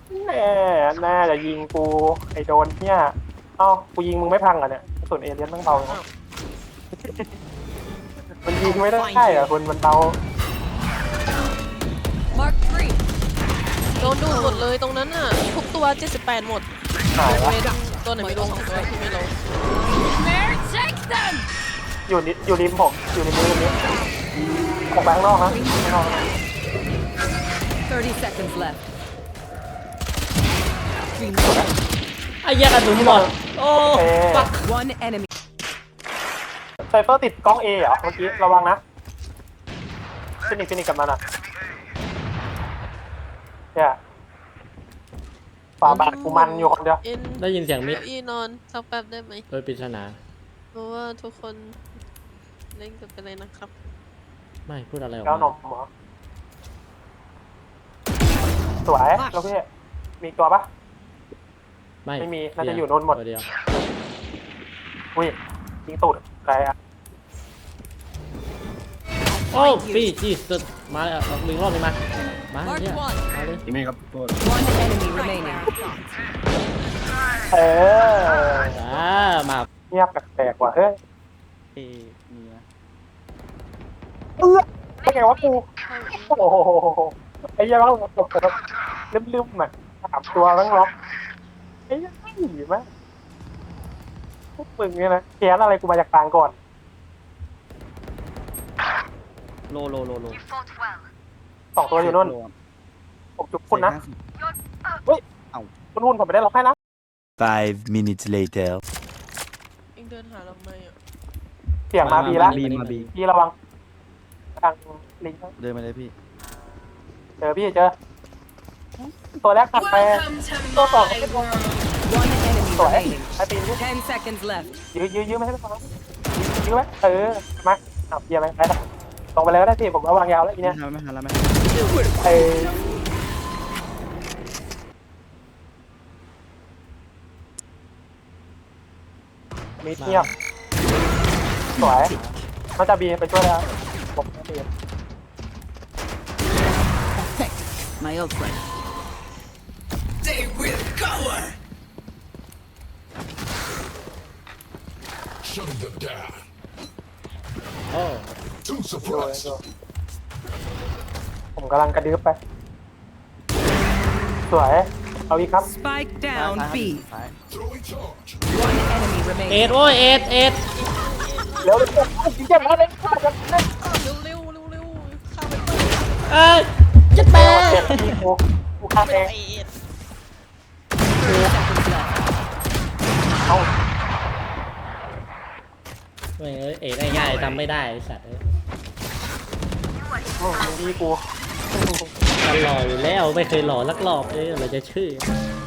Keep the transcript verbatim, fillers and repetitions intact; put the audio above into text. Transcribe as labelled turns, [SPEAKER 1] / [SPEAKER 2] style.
[SPEAKER 1] แน่แน่จะยิงกูไอโดนเนี่ยเอ้ากูยิงมึงไม่พังอ่ะเนี่ยส่วนเอเลียนต้องเบาเนอะมันยิงไม่ได้อ่ะคนมันเบา
[SPEAKER 2] Mark three.
[SPEAKER 3] โดนดูดหมดเลยตรงนั้นน่ะทุกตัวเจ็ดสิบแปดหมด
[SPEAKER 1] หาย
[SPEAKER 3] เว้
[SPEAKER 1] ละ
[SPEAKER 3] นตัวไหนไม่ลงสองตัวที่ไม่ลง
[SPEAKER 2] There, take them.
[SPEAKER 1] อยู่นิดอยู่ริมผมอยู่ในมือนี้ออกไปข้างนอกนะข้างนอกนะ
[SPEAKER 2] Thirty seconds left.
[SPEAKER 4] ไอ้เหี้ยกระสุนหมดโอ้
[SPEAKER 1] โอเค
[SPEAKER 4] ปัก
[SPEAKER 2] One enemy.
[SPEAKER 1] ไซเฟอร์ติดกล้องเอเหรอเมื่อกี้ระวังนะฟินิกฟินิกกับมันอ่ะเนี่ยฝาบาทกูมันอยู่คนเดียว
[SPEAKER 3] เอ็น
[SPEAKER 4] ได้ยินเสียงมิด
[SPEAKER 3] อีนอนสักแป๊บได้ไหม
[SPEAKER 4] โดยปริศนา
[SPEAKER 3] เพราะว่าทุกคนเล่นกันไปเลยนะครับ
[SPEAKER 4] ไม่พูดอะไรออก
[SPEAKER 1] แล้วหน
[SPEAKER 4] มาม
[SPEAKER 1] เหรอสวยแล้วพี่มีตัวปะ
[SPEAKER 4] ไม่
[SPEAKER 1] ไม่มีน่าจะอยู่โน่นหมด
[SPEAKER 4] ตัวเดียว
[SPEAKER 1] อุ้ยยิงตูดใครอ่ะ
[SPEAKER 4] โอ้พี่จีสุดมาเลยอ่ะดึงรอบนี้มามาเนี่ยมาเลย
[SPEAKER 5] นี่ครับโทษ
[SPEAKER 2] One enemy remaining.
[SPEAKER 1] เออ
[SPEAKER 4] อ่ามา
[SPEAKER 1] เงียบแปลกๆว่ะเฮ้ย
[SPEAKER 5] เอมีนะ
[SPEAKER 1] เออไม่ไงวะกูโอ้โหไอ้เหี้ยังต้องตกแบบลืมๆอ่ะสามตัวต้องล็อกไอ้เหี้ยังไม่หนีมั้ยพวกมึงเนี่ยนะแค้นอะไรกูมาจากกลางก่อน
[SPEAKER 5] โลโลโลโล
[SPEAKER 1] สองตัวอยู่นู่น
[SPEAKER 5] โล
[SPEAKER 1] ผมจุกคุณนะ
[SPEAKER 5] เศษห้าสิบ
[SPEAKER 1] คุณหุ่นผมไม่ได้ล็อกให้นะ
[SPEAKER 6] Five minutes later.
[SPEAKER 3] เองเดินหาเราไหมอ่ะ
[SPEAKER 1] เสียงมาบีแล้ว
[SPEAKER 5] บีมาบี
[SPEAKER 1] พี่ระวังทางลิงก์
[SPEAKER 5] เดินมาเลยพี่
[SPEAKER 1] เจอพี่เจอ ตัวแรกถัดไปตัวสองก็เป็นตัว
[SPEAKER 2] One enemy
[SPEAKER 1] สวย
[SPEAKER 2] remaining.
[SPEAKER 1] ไอ้ปีนยื้อ
[SPEAKER 2] Ten seconds left.
[SPEAKER 1] ยื้อยื้อยื้อไม่ให้ไม่ฟังยื้อไหมเออมาเอาเบียร์ไหมไปละตรงไปเลยก็ได้พี่ผมระวังยาวแล้วที
[SPEAKER 5] ไม่
[SPEAKER 1] เนี้ย
[SPEAKER 5] ทันไม่ทันแล้วไหม
[SPEAKER 1] เออมีเทียบสวยมันจะบีไปช่วยแล้วผมจะบี
[SPEAKER 2] My old friend.
[SPEAKER 7] Shutting them down.
[SPEAKER 4] โอ้
[SPEAKER 7] Too
[SPEAKER 1] ดู
[SPEAKER 7] surprised.
[SPEAKER 1] ดูผมกำลังกระดึ๊บไป สวย เอาอีกครับ
[SPEAKER 2] Spike down
[SPEAKER 5] ซ้าย
[SPEAKER 2] B.
[SPEAKER 5] ซ้าย
[SPEAKER 7] Throwing charge.
[SPEAKER 2] One enemy
[SPEAKER 4] เอ็ด
[SPEAKER 2] remaining.
[SPEAKER 4] โอ้ยเอ็ดเอ็ด
[SPEAKER 1] เร็วเร็วเร็วยิงเจ็บแล้วเลย
[SPEAKER 3] เร็วเร็วเร็วเร็วข้ามไป
[SPEAKER 4] เอ้ยจะแป
[SPEAKER 1] เจ็บที่กูกูฆ่าเอง
[SPEAKER 3] ไอเอ็ด
[SPEAKER 2] Thirty seconds left.
[SPEAKER 1] เอา
[SPEAKER 4] เอ้ยเอ็ดง่ายๆทำไม่ได้ไอ้สัตว์เอ้ย
[SPEAKER 1] อืมดีกู
[SPEAKER 4] มันหล่ออยู่แล้วไม่เคยหล่อสักรอบเลยเราจะชื่อ